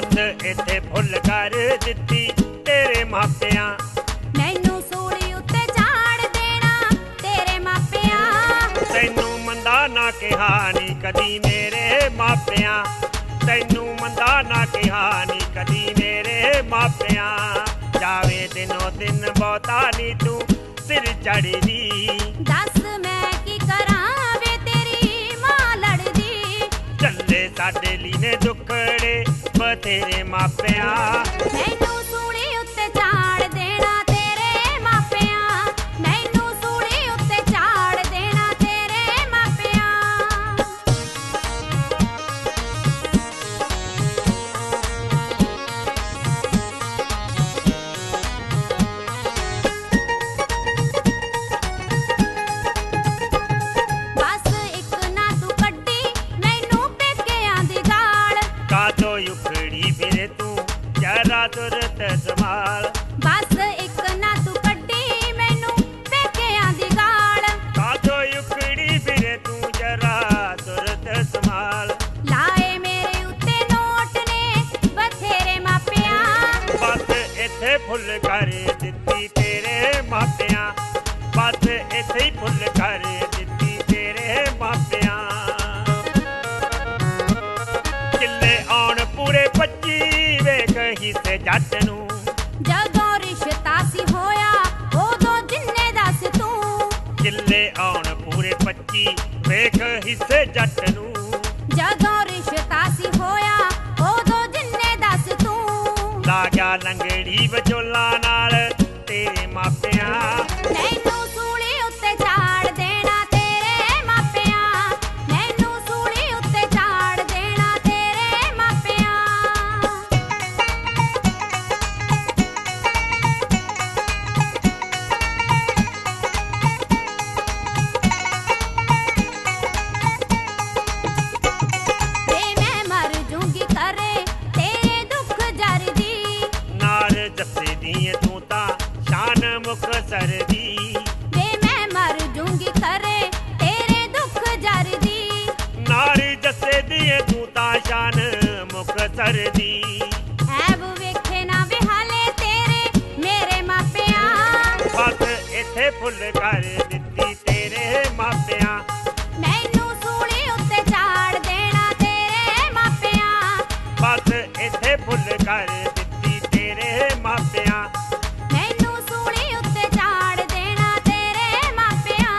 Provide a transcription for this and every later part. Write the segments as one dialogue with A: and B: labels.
A: बस इत्थे फुल कर दित्ती तेरे मापियां।
B: मैनू सूली उत्ते झाड़ देना तेरे मापियां।
A: तैनू मंदा ना कहा नी कदी मेरे मापियां। तैनू मंदा ना कहा नी कदी मेरे मापियां। जावे दिनों दिन बहुता नी तू सिर चढ़दी।
B: दस मैं की करां वे तेरी मां लड़दी।
A: चले साडे लीने दुखड़े बतेरे मापियां।
B: मैनू सूली उत्ते झाड़ देना तेरे मापियां। मैनू सूली उत्ते झाड़ देना तेरे मापियां। बस एक ना तू कड्डी मैनू पेकियां दी गाल।
A: कादो उखड़ी फिरे तू जरा तुरत संभाल।
B: बस एक ना तू कड्डी मैनू पेकियां दी गाल।
A: कादो उखड़ी फिरे तू जरा तुरत संभाल।
B: लाए मेरे उत्ते नोट ने बथेरे मापियां।
A: बस इत्थे फुल कर दित्ती तेरे मापियां। बस इत्थे ही फुल कर दित्ती तेरे मापियां। किल्ले आउण पूरे 25 वेख हिस्से जट नूं।
B: जदों रिश्ता सी होया उदों जिन्ने दस तू।
A: किल्ले आउण पूरे 25 वेख हिस्से जट नूं।
B: जदों रिश्ता सी होया उदों जिन्ने दस तू।
A: ला गया लंगड़ी विचोला नाल तेरे मापियां।
B: मैनू सूली उत्ते झाड़ देना तेरे मापियां। मैनू सूली उत्ते झाड़ देना तेरे मापियां। ते मैं मर जूंगी करे तेरे दुख जरदी।
A: नाल जस्से दिए तू तां शान मुक्तसर दी।
B: ते मैं मर जूंगी करे तेरे दुख जरदी।
A: नाल जस्से दिए तू तां शान मुक्तसर दी।
B: ऐब वेखे ना विहाले तेरे मेरे मापियां।
A: बस इत्थे फुल कर दित्ती तेरे मापियां।
B: मैनू सूली उत्ते झाड़ देना तेरे मापियां।
A: बस इत्थे फुल कर दित्ती तेरे मापियां।
B: मैनू सूली उत्ते झाड़ देना तेरे मापियां।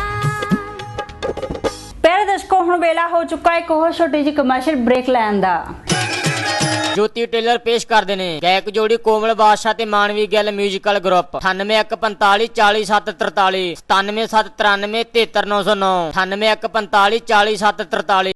C: प्यारे दर्शकों हुण वेला हो चुका है एक होर छोटी जी कमर्शियल ब्रेक लैण दा।
D: ज्योति टेलर पेश करते हैं गैक जोड़ी कोमल बादशाह ते मानवी ਗਿੱਲ म्यूजिकल ग्रुप 9815 40743 97793 73909 9815 40743।